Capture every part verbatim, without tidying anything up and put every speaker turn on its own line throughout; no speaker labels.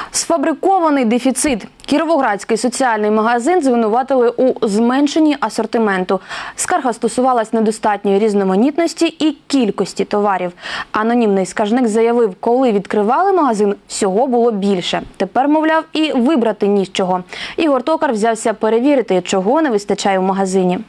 Сфабрикований дефіцит. Кіровоградський соціальний магазин звинуватили у зменшенні асортименту. Скарга стосувалась недостатньої різноманітності і кількості товарів. Анонімний скаржник заявив, коли відкривали магазин, всього було більше. Тепер, мовляв, і вибрати ні з чого. Ігор Токар взявся перевірити, чого не вистачає в магазині.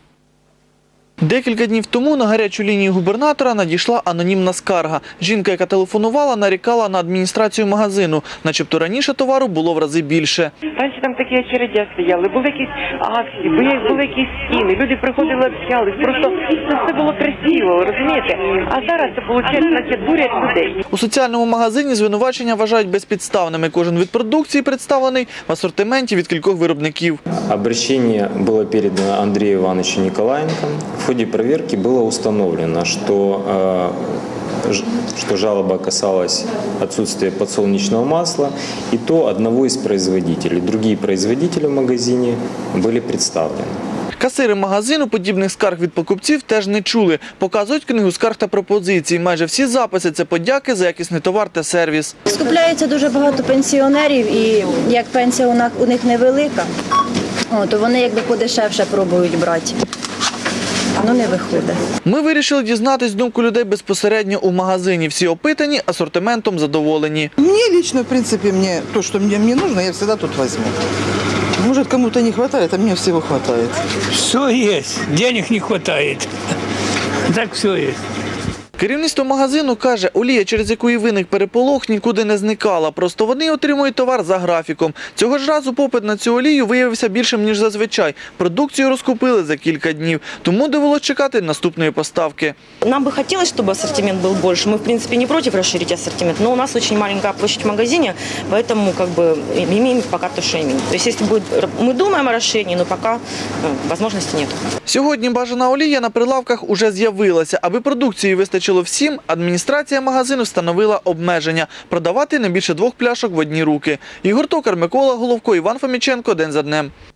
Декілька днів тому на гарячу лінію губернатора надійшла анонімна скарга. Жінка, яка телефонувала, нарікала на адміністрацію магазину. Начебто раніше товару було в рази більше.
Раніше там такі очередя стояли, були якісь акції, були якісь стіни, люди приходили, общались. Просто це все було красиво, розумієте? А зараз це, виходить, наче дурять людей.
У соціальному магазині звинувачення вважають безпідставними. Кожен вид продукції представлений в асортименті від кількох виробників.
Обращение было передано Андрею Ивановичу Николаенко. В ходе проверки было установлено, что, что жалоба касалась отсутствия подсолнечного масла, и то одного из производителей. Другие производители в магазине были представлены.
Касири магазину подібних скарг від покупців теж не чули. Показують книгу скарг та пропозицій. Майже всі записи – це подяки за якісний товар та сервіс.
Скупляється дуже багато пенсіонерів, і як пенсія у них невелика, то вони якби подешевше пробують брати. Ну, не виходить.
Ми вирішили дізнатись думку людей безпосередньо у магазині. Всі опитані, асортиментом задоволені.
Мне лично, в принципе, мне то, что мне, мне нужно, я всегда тут возьму. Может, кому-то не хватает, а мне всего хватает.
Все есть, денег не хватает. Так все есть.
Керівництво магазину каже, олія, через яку і виник переполох, нікуди не зникала. Просто вони отримують товар за графіком. Цього ж разу попит на цю олію виявився більшим, ніж зазвичай. Продукцію розкупили за кілька днів. Тому довелося чекати наступної поставки.
Нам бы хотелось, чтобы ассортимент был больше. Мы, в принципе, не против расширить ассортимент, но у нас очень маленькая площадь в магазине, поэтому как бы имеем пока то, что имеем. То есть, если будет, мы думаем о расширении, но пока возможности нет.
Сьогодні бажана олія на прилавках уже з'явилася. Аби продукції вистачило всім, адміністрація магазину встановила обмеження – продавати не більше двох пляшок в одні руки. Ігор Токар, Микола Головко, Іван Фоміченко. День за днем.